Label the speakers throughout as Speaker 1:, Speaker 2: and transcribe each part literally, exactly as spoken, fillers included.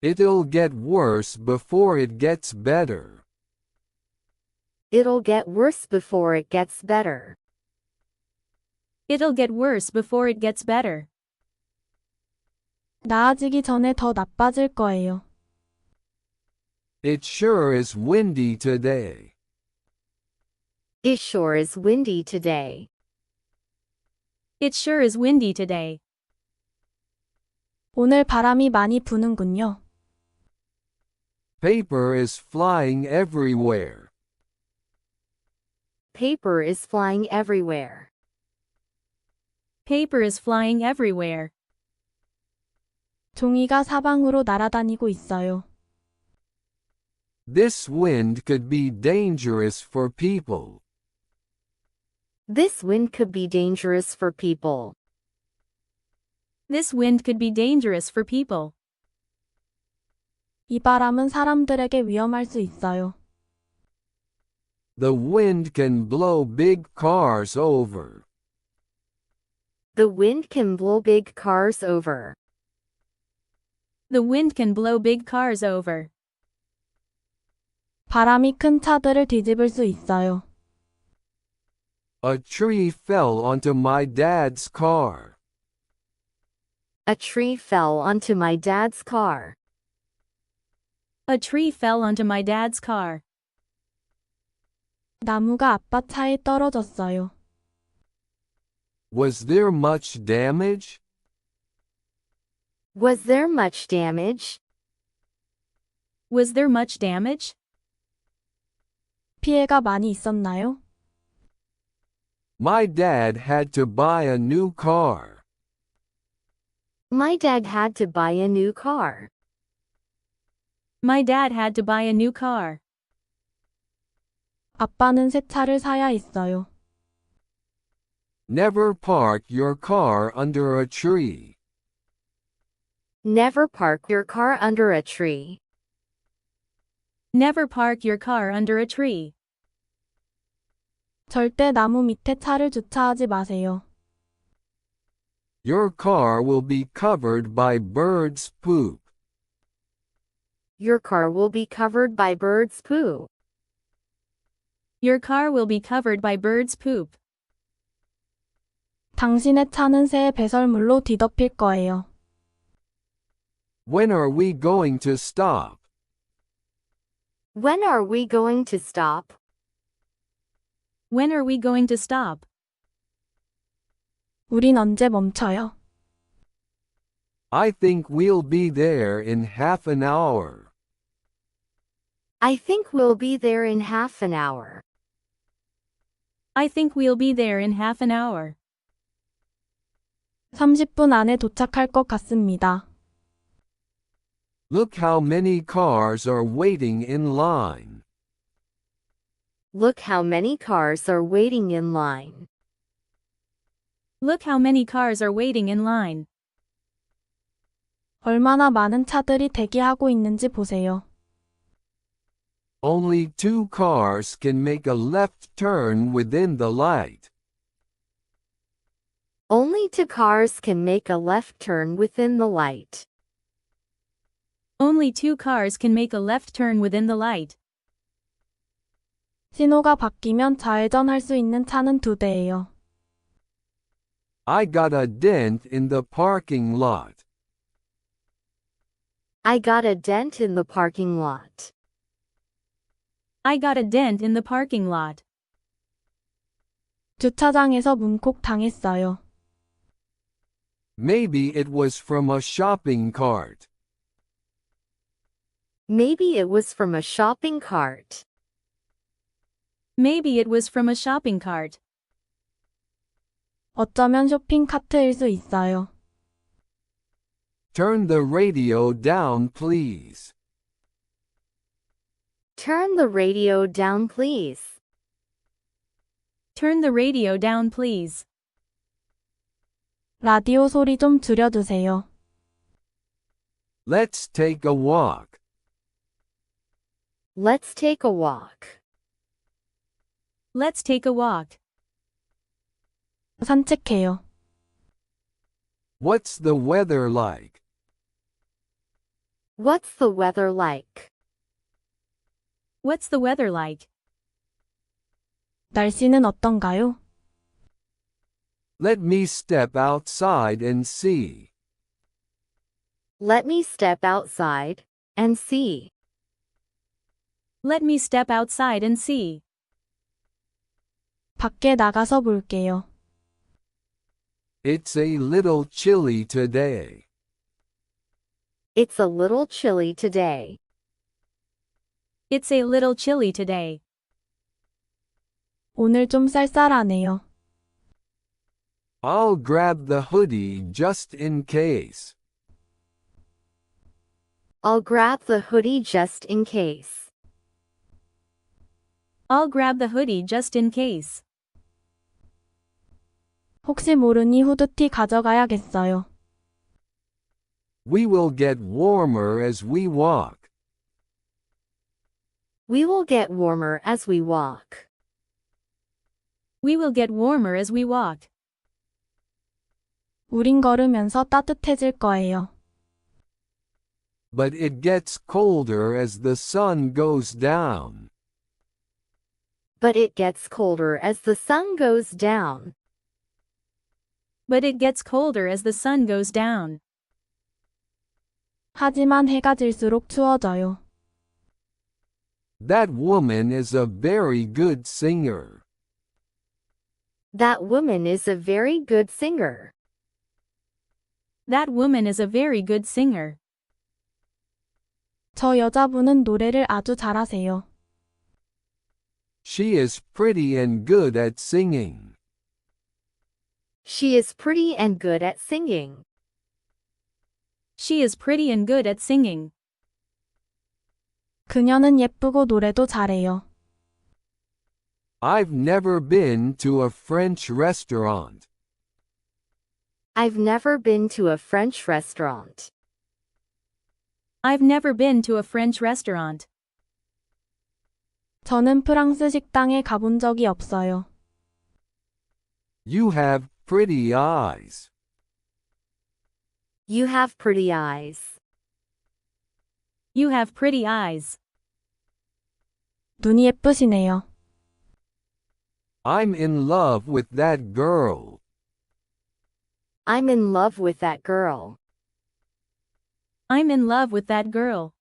Speaker 1: It'll get worse before it gets better.
Speaker 2: It'll get worse before it gets better.
Speaker 3: It'll get worse before it gets better.
Speaker 4: 나아지기 전에 더 나빠질 거예요.
Speaker 1: It sure is windy today.
Speaker 2: It sure is windy today.
Speaker 3: It sure is windy today.
Speaker 4: 오늘 바람이 많이 부는군요.
Speaker 1: Paper is flying everywhere.
Speaker 2: Paper is flying everywhere.
Speaker 3: Paper is flying everywhere.
Speaker 4: 종이가 사방으로 날아다니고 있어요.
Speaker 1: This wind could be dangerous for people.
Speaker 2: This wind could be dangerous for people.
Speaker 3: This wind could be dangerous for people.
Speaker 4: 이 바람은 사람들에게 위험할 수 있어요.
Speaker 1: The wind can blow big cars over.
Speaker 2: The wind can blow big cars over.
Speaker 3: The wind can blow big cars over.
Speaker 4: 바람이 큰 차들을 뒤집을 수 있어요.
Speaker 1: A tree fell onto my dad's car.
Speaker 2: A tree fell onto my dad's car.
Speaker 3: A tree fell onto my dad's car.
Speaker 4: 나무가 아빠 차에 떨어졌어요.
Speaker 1: Was there much damage?
Speaker 2: Was there much damage?
Speaker 3: Was there much damage?
Speaker 4: 피해가 많이 있었나요?
Speaker 1: My dad had to buy a new car.
Speaker 2: My dad had to buy a new car.
Speaker 3: My dad had to buy a new car.
Speaker 4: 아빠는 새 차를 사야 했어요.
Speaker 1: Never park your car under a tree.
Speaker 2: Never park your car under a tree.
Speaker 3: Never park your car under a tree.
Speaker 4: 절대 나무 밑에 차를 주차하지 마세요.
Speaker 1: Your car will be covered by birds' poop.
Speaker 2: Your car will be covered by birds' poo.
Speaker 3: Your car will be covered by birds' poop.
Speaker 4: 당신의 차는 새의 배설물로 뒤덮일 거예요.
Speaker 1: When are we going to stop?
Speaker 2: When are we going to stop?
Speaker 3: When are we going to stop?
Speaker 4: 우린 언제 멈춰요?
Speaker 1: I think we'll be there in half an hour.
Speaker 2: I think we'll be there in half an hour.
Speaker 3: I think we'll be there in half an hour.
Speaker 4: 삼십 분 안에 도착할 것 같습니다.
Speaker 1: Look how many cars are waiting in line.
Speaker 2: Look how many cars are waiting in line.
Speaker 3: Look how many cars are waiting in line.
Speaker 4: 얼마나 많은 차들이 대기하고 있는지 보세요.
Speaker 1: Only two cars can make a left turn within the light.
Speaker 2: Only two cars can make a left turn within the light.
Speaker 3: Only two cars can make a left turn within the light.
Speaker 4: 신호가 바뀌면 좌회전할 수 있는 차는 두 대예요.
Speaker 1: I got a dent in the parking lot.
Speaker 2: I got a dent in the parking lot.
Speaker 3: I got a dent in the parking lot.
Speaker 4: 주차장에서 문콕 당했어요.
Speaker 1: Maybe it was from a shopping cart.
Speaker 2: Maybe it was from a shopping cart.
Speaker 3: Maybe it was from a shopping cart.
Speaker 4: 어쩌면 쇼핑 카트일 수 있어요.
Speaker 1: Turn the radio down, please.
Speaker 2: Turn the radio down, please.
Speaker 3: Turn the radio down, please.
Speaker 4: 라디오 소리 좀 줄여주세요.
Speaker 1: Let's take a walk.
Speaker 2: Let's take a walk.
Speaker 3: Let's take a walk.
Speaker 4: 산책해요.
Speaker 1: What's the weather like?
Speaker 2: What's the weather like?
Speaker 3: What's the weather like?
Speaker 4: 날씨는 어떤가요?
Speaker 1: Let me step outside and see.
Speaker 2: Let me step outside and see.
Speaker 3: Let me step outside and see.
Speaker 4: 밖에 나가서 볼게요.
Speaker 1: It's a little chilly today.
Speaker 2: It's a little chilly today.
Speaker 3: It's a little chilly today.
Speaker 4: 오늘 좀 쌀쌀하네요.
Speaker 1: I'll grab the hoodie just in case.
Speaker 2: I'll grab the hoodie just in case.
Speaker 3: I'll grab the hoodie just in case.
Speaker 4: 혹시 모르니 후드티 가져가야겠어요.
Speaker 1: We will get warmer as we walk.
Speaker 2: We will get warmer as we walk.
Speaker 3: We will get warmer as we walk.
Speaker 4: 우린 걸으면서 따뜻해질 거예요.
Speaker 1: But it gets colder as the sun goes down.
Speaker 2: But it gets colder as the sun goes down.
Speaker 3: But it gets colder as the sun goes down.
Speaker 4: 하지만 해가 질수록 추워져요.
Speaker 1: That woman is a very good singer.
Speaker 2: That woman is a very good singer.
Speaker 3: That woman is a very good singer.
Speaker 4: 저 여자분은 노래를 아주 잘하세요.
Speaker 1: She is pretty and good at singing.
Speaker 2: She is pretty and good at singing.
Speaker 3: She is pretty and good at singing.
Speaker 4: 그녀는 예쁘고 노래도 잘해요.
Speaker 1: I've never been to a French restaurant.
Speaker 2: I've never been to a French restaurant.
Speaker 3: I've never been to a French restaurant.
Speaker 4: 저는 프랑스 식당에 가본 적이 없어요.
Speaker 1: You have pretty eyes.
Speaker 2: You have pretty eyes.
Speaker 3: You have pretty eyes.
Speaker 4: 눈이 예쁘시네요.
Speaker 1: I'm in love with that girl.
Speaker 2: I'm in love with that girl.
Speaker 3: I'm in love with that girl.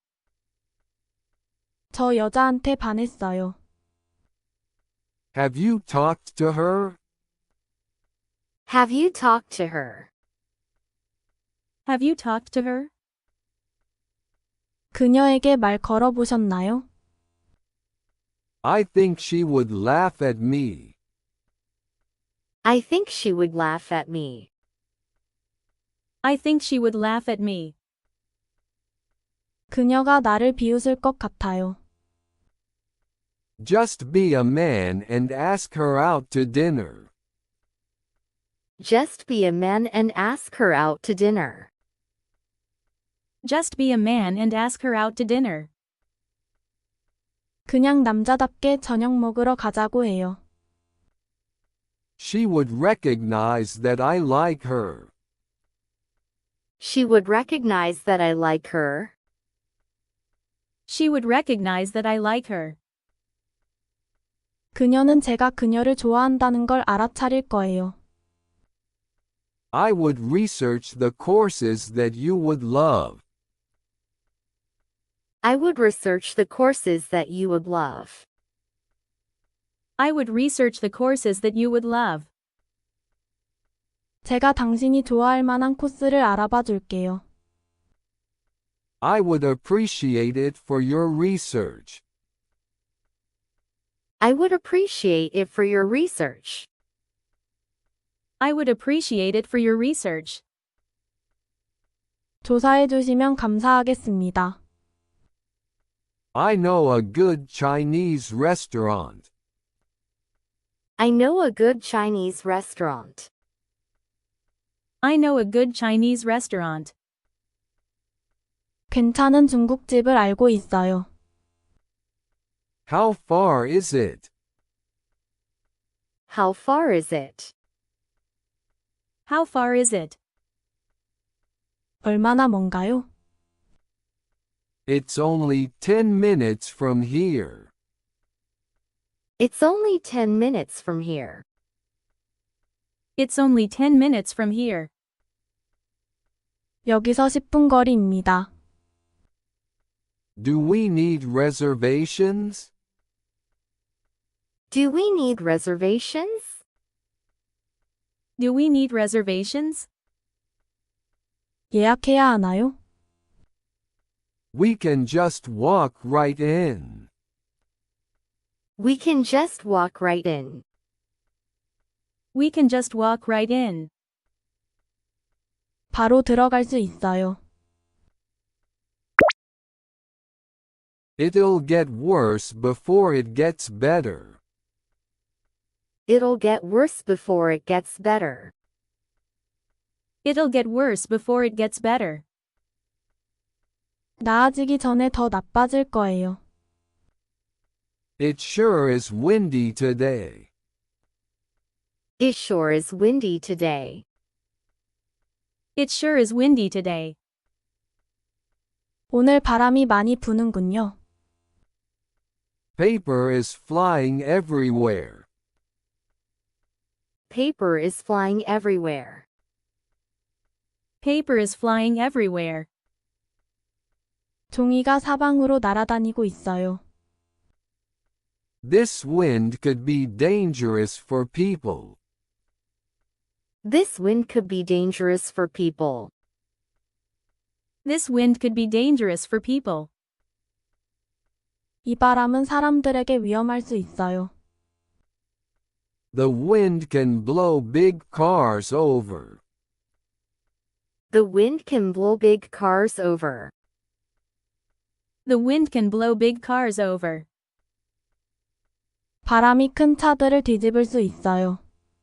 Speaker 4: 저 여자한테 반했어요.
Speaker 1: Have you talked to her?
Speaker 2: Have you talked to her?
Speaker 3: Have you talked to her?
Speaker 4: 그녀에게 말 걸어보셨나요?
Speaker 1: I think she would laugh at me.
Speaker 2: I think she would laugh at me.
Speaker 3: I think she would laugh at me.
Speaker 4: 그녀가 나를 비웃을 것 같아요.
Speaker 1: Just be a man and ask her out to dinner.
Speaker 2: Just be a man and ask her out to dinner.
Speaker 3: Just be a man and ask her out to dinner.
Speaker 4: 그냥 남자답게 저녁 먹으러 가자고 해요.
Speaker 1: She would recognize that I like her.
Speaker 2: She would recognize that I like her.
Speaker 3: She would recognize that I like her.
Speaker 4: 그녀는 제가 그녀를 좋아한다는 걸 알아차릴 거예요.
Speaker 1: I would research the courses that you would love.
Speaker 2: I would research the courses that you would love.
Speaker 3: I would research the courses that you would love.
Speaker 4: 제가 당신이 좋아할 만한 코스를 알아봐 줄게요.
Speaker 1: I would appreciate it for your research.
Speaker 2: I would appreciate it for your research.
Speaker 3: I would appreciate it for your research.
Speaker 4: 조사해 주시면 감사하겠습니다.
Speaker 1: I know a good Chinese restaurant.
Speaker 2: I know a good Chinese restaurant.
Speaker 3: I know a good Chinese restaurant.
Speaker 4: 괜찮은 중국집을 알고 있어요.
Speaker 1: How far is it?
Speaker 2: How far is it?
Speaker 3: How far is it?
Speaker 4: 얼마나 먼가요?
Speaker 1: It's only ten minutes from here.
Speaker 2: It's only ten minutes from here.
Speaker 3: It's only ten minutes from here.
Speaker 4: 여기서 십 분 거리입니다.
Speaker 1: Do we need reservations?
Speaker 2: Do we need reservations?
Speaker 3: Do we need reservations?
Speaker 4: 예약해야 하나요?
Speaker 1: We can just walk right in.
Speaker 2: We can just walk right in.
Speaker 3: We can just walk right in.
Speaker 4: 바로 들어갈 수 있어요.
Speaker 1: It'll get worse before it gets better.
Speaker 2: It'll get worse before it gets better.
Speaker 3: It'll get worse before it gets better.
Speaker 4: 나아지기 전에 더 나빠질 거예요.
Speaker 1: It sure is windy today.
Speaker 2: It sure is windy today.
Speaker 3: It sure is windy today.
Speaker 4: 오늘 바람이 많이 부는군요.
Speaker 1: Paper is flying everywhere.
Speaker 2: Paper is flying everywhere.
Speaker 3: Paper is flying everywhere.
Speaker 4: 종이가 사방으로 날아다니고 있어요.
Speaker 1: This wind could be dangerous for people.
Speaker 2: This wind could be dangerous for people.
Speaker 3: This wind could be dangerous for people.
Speaker 4: 이 바람은 사람들에게 위험할 수 있어요.
Speaker 1: The wind can blow big cars over.
Speaker 2: The wind can blow big cars over.
Speaker 3: The wind can blow big cars over.
Speaker 4: 바람이 큰 차들을 뒤집을 수 있어요.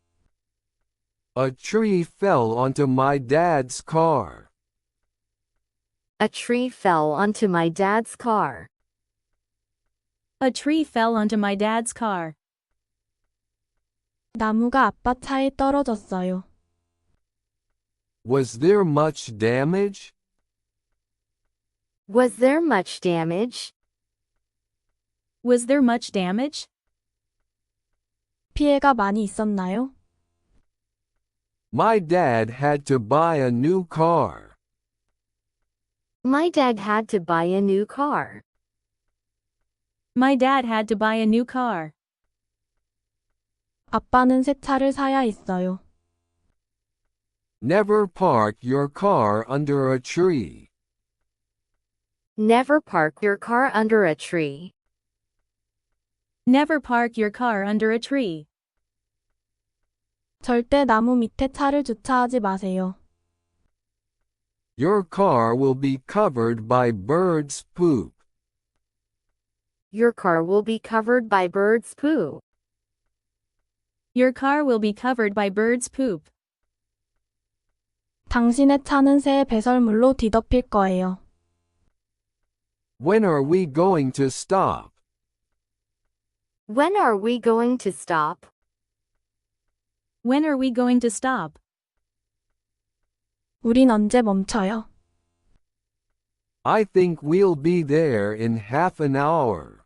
Speaker 1: A tree fell onto my dad's car.
Speaker 2: A tree fell onto my dad's car.
Speaker 3: A tree fell onto my dad's car.
Speaker 4: 나무가 아빠 차에 떨어졌어요.
Speaker 1: Was there much damage?
Speaker 2: Was there much damage?
Speaker 3: Was there much damage?
Speaker 4: 피해가 많이 있었나요?
Speaker 1: My dad had to buy a new car.
Speaker 2: My dad had to buy a new car.
Speaker 3: My dad had to buy a new car.
Speaker 4: 아빠는 새 차를 사야 했어요.
Speaker 1: Never park your car under a tree.
Speaker 2: Never park your car under a tree.
Speaker 3: Never park your car under a tree.
Speaker 4: 절대 나무 밑에 차를 주차하지 마세요.
Speaker 1: Your car will be covered by birds' poop.
Speaker 2: Your car will be covered by birds' poo.
Speaker 3: Your car will be covered by birds' poop.
Speaker 4: 당신의 차는 새의 배설물로 뒤덮일 거예요.
Speaker 1: When are we going to stop?
Speaker 2: When are we going to stop?
Speaker 3: When are we going to stop?
Speaker 4: 우린 언제 멈춰요?
Speaker 1: I think we'll be there in half an hour.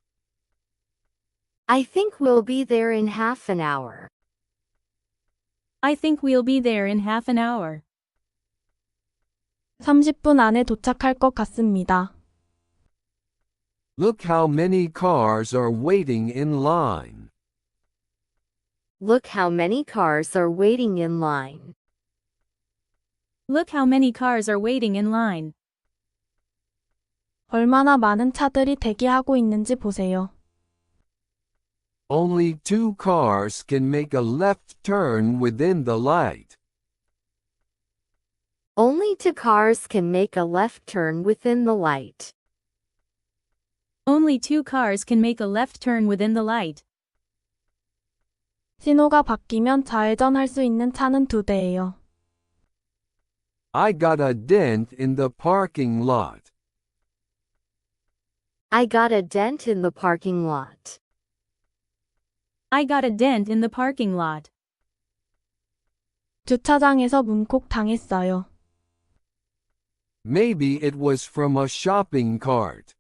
Speaker 2: I think we'll be there in half an hour.
Speaker 3: I think we'll be there in half an hour.
Speaker 4: 삼십 분 안에 도착할 것 같습니다.
Speaker 1: Look how many cars are waiting in line.
Speaker 2: Look how many cars are waiting in line.
Speaker 3: Look how many cars are waiting in line.
Speaker 4: 얼마나 많은 차들이 대기하고 있는지 보세요.
Speaker 1: Only two cars can make a left turn within the light.
Speaker 2: Only two cars can make a left turn within the light.
Speaker 3: Only two cars can make a left turn within the light.
Speaker 4: 신호가 바뀌면 좌회전할 수 있는 차는 두 대예요.
Speaker 1: I got a dent in the parking lot.
Speaker 2: I got a dent in the parking lot.
Speaker 3: I got a dent in the parking lot.
Speaker 4: 주차장에서 문콕 당했어요.
Speaker 1: Maybe it was from a shopping cart.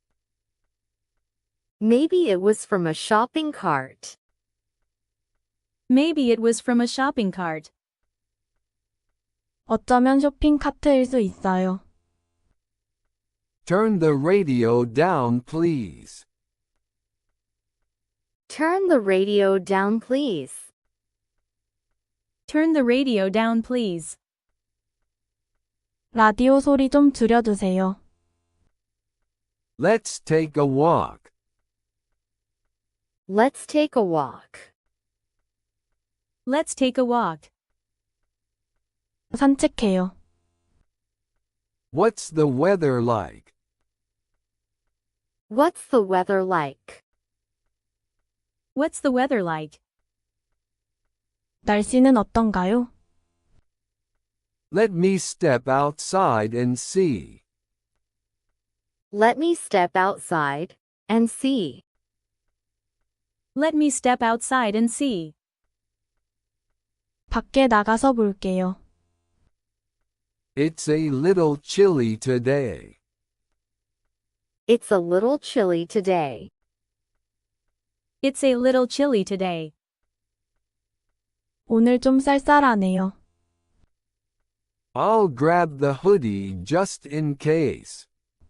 Speaker 2: Maybe it was from a shopping cart.
Speaker 3: Maybe it was from a shopping cart.
Speaker 4: 어쩌면 쇼핑 카트일 수 있어요.
Speaker 1: Turn the radio down, please.
Speaker 2: Turn the radio down, please.
Speaker 3: Turn the radio down, please.
Speaker 4: 라디오 소리 좀 줄여주세요.
Speaker 1: Let's take a walk.
Speaker 2: Let's take a walk.
Speaker 3: Let's take a walk.
Speaker 4: 산책해요.
Speaker 1: What's the weather like?
Speaker 2: What's the weather like?
Speaker 3: What's the weather like?
Speaker 4: 날씨는 어떤가요?
Speaker 1: Let me step outside and see.
Speaker 2: Let me step outside and see.
Speaker 3: Let me step outside and see.
Speaker 4: 밖에 나가서 볼게요.
Speaker 1: It's a little chilly today.
Speaker 2: It's a little chilly today.
Speaker 3: It's a little chilly today.
Speaker 4: 오늘 좀 쌀쌀하네요.
Speaker 1: I'll grab the hoodie just in case.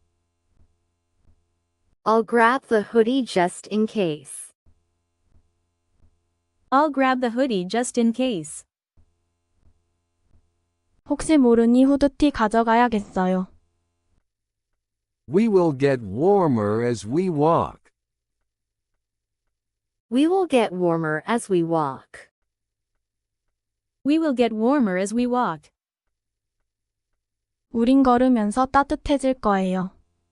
Speaker 2: I'll grab the hoodie just in case.
Speaker 3: I'll grab the hoodie just in case.
Speaker 4: 혹시 모르니 후드티 가져가야겠어요.
Speaker 1: We will get warmer as we walk.
Speaker 2: We will get warmer as we walk.
Speaker 3: We will get warmer as we walk.
Speaker 4: 우린 걸으면서 따뜻해질 거예요.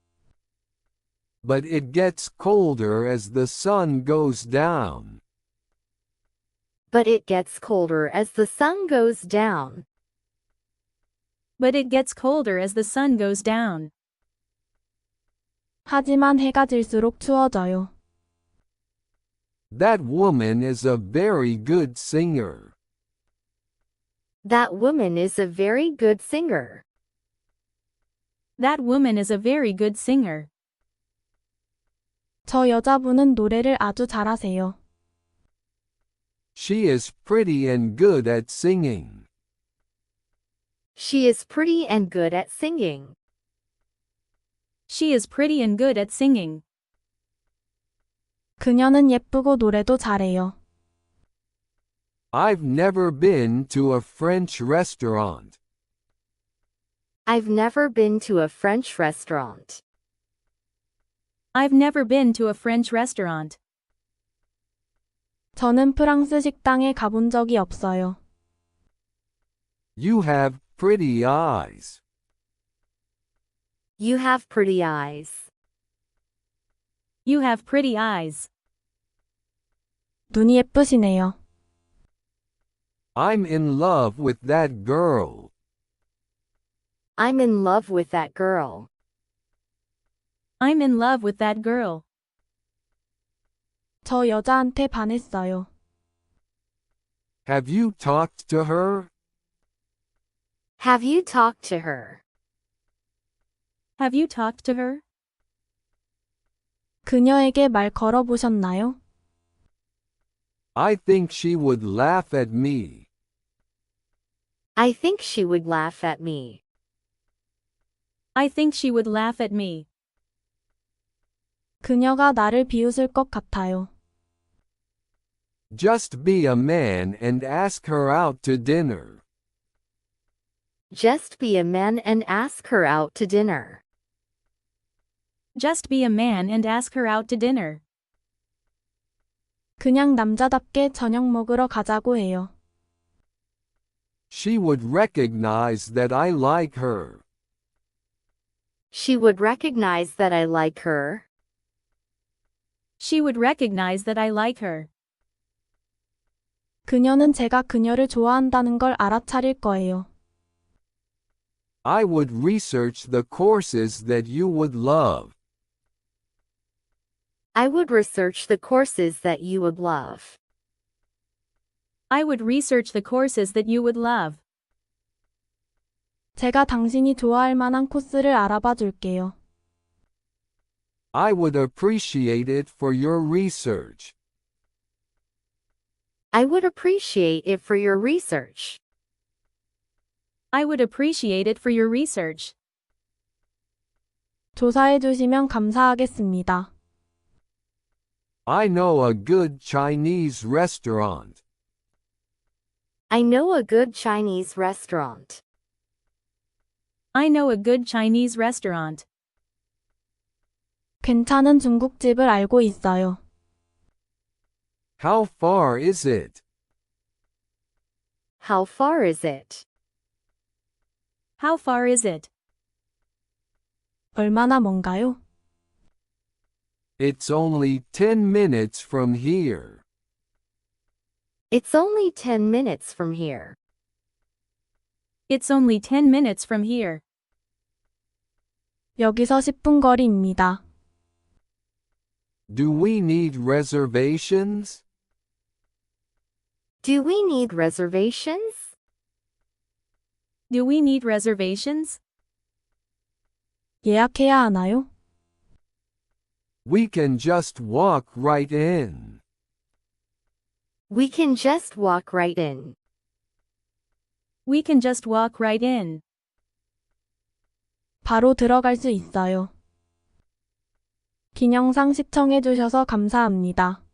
Speaker 1: But it gets colder as the sun goes down.
Speaker 2: But it gets colder as the sun goes down.
Speaker 3: But it gets colder as the sun goes down.
Speaker 4: 하지만 해가 질수록 추워져요.
Speaker 1: That woman is a very good singer.
Speaker 2: That woman is a very good singer.
Speaker 3: That woman is a very good singer.
Speaker 4: 저 여자분은 노래를 아주 잘하세요.
Speaker 1: She is pretty and good at singing.
Speaker 2: She is pretty and good at singing.
Speaker 3: She is pretty and good at singing.
Speaker 4: 그녀는 예쁘고 노래도 잘해요.
Speaker 1: I've never been to a French restaurant.
Speaker 2: I've never been to a French restaurant.
Speaker 3: I've never been to a French restaurant.
Speaker 4: 저는 프랑스 식당에 가본 적이 없어요.
Speaker 1: You have pretty eyes.
Speaker 2: You have pretty eyes.
Speaker 3: You have pretty eyes.
Speaker 4: 눈이 예쁘시네요.
Speaker 1: I'm in love with that girl.
Speaker 2: I'm in love with that girl.
Speaker 3: I'm in love with that girl.
Speaker 4: 저 여자한테 반했어요.
Speaker 1: Have you talked to her?
Speaker 2: Have you talked to her?
Speaker 3: Have you talked to her?
Speaker 4: 그녀에게 말 걸어보셨나요?
Speaker 1: I think she would laugh at me.
Speaker 2: I think she would laugh at me.
Speaker 3: I think she would laugh at me.
Speaker 4: 그녀가 나를 비웃을 것 같아요.
Speaker 1: Just be a man and ask her out to dinner.
Speaker 2: Just be a man and ask her out to dinner.
Speaker 3: Just be a man and ask her out to dinner.
Speaker 4: 그냥 남자답게 저녁 먹으러 가자고 해요.
Speaker 1: She would recognize that I like her.
Speaker 2: She would recognize that I like her.
Speaker 3: She would recognize that I like her.
Speaker 4: 그녀는 제가 그녀를 좋아한다는 걸 알아차릴 거예요.
Speaker 1: I would research the courses that you would love.
Speaker 2: I would research the courses that you would love.
Speaker 3: I would research the courses that you would love.
Speaker 4: 제가 당신이 좋아할 만한 코스를 알아봐 줄게요.
Speaker 1: I would appreciate it for your research.
Speaker 2: I would appreciate it for your research.
Speaker 3: I would appreciate it for your research.
Speaker 4: 조사해 주시면 감사하겠습니다.
Speaker 1: I know a good Chinese restaurant.
Speaker 2: I know a good Chinese restaurant.
Speaker 3: I know a good Chinese restaurant.
Speaker 4: 괜찮은 중국집을 알고 있어요.
Speaker 1: How far is it?
Speaker 2: How far is it?
Speaker 3: How far is it?
Speaker 4: 얼마나 먼가요?
Speaker 1: It's only ten minutes from here.
Speaker 2: It's only ten minutes from here.
Speaker 3: It's only ten minutes from here.
Speaker 4: 여기서 십 분 거리입니다.
Speaker 1: Do we need reservations?
Speaker 2: Do we need reservations?
Speaker 3: Do we need reservations?
Speaker 4: 예약해야 하나요?
Speaker 1: We can just walk right in.
Speaker 2: We can just walk right in.
Speaker 3: We can just walk right in.
Speaker 4: 바로 들어갈 수 있어요. 긴 영상 시청해 주셔서 감사합니다.